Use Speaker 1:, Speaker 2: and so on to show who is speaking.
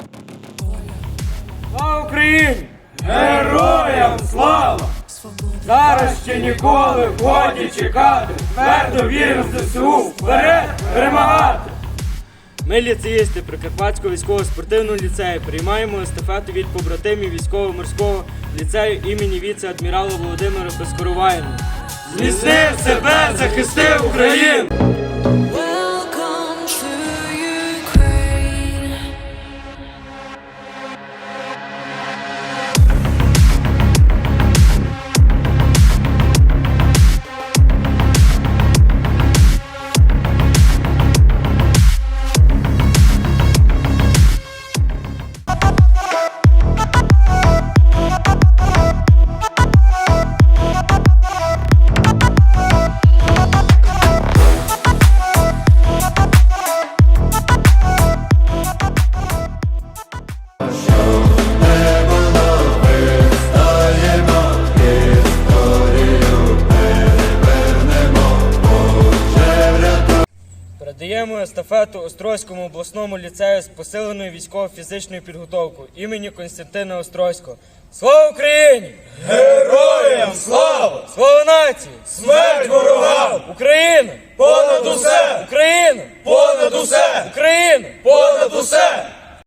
Speaker 1: Слава Україні! Героям слава! Зараз ще ніколи годі чекати, твердо віримо в ЗСУ, вперед перемагати! Ми, ліцеїсти Прикарпатського військово-спортивного ліцею, приймаємо естафету від побратимів військово-морського ліцею імені віце-адмірала Володимира Безкоровайного. Зміцни себе, захисти Україну! Передаємо естафету Острозькому обласному ліцею з посиленою військово-фізичною підготовкою імені Костянтина Острозького. Слава Україні!
Speaker 2: Героям слава!
Speaker 1: Слава нації!
Speaker 2: Смерть ворогам!
Speaker 1: Україна!
Speaker 2: Понад усе!
Speaker 1: Україна!
Speaker 2: Понад усе!
Speaker 1: Україна!
Speaker 2: Понад усе!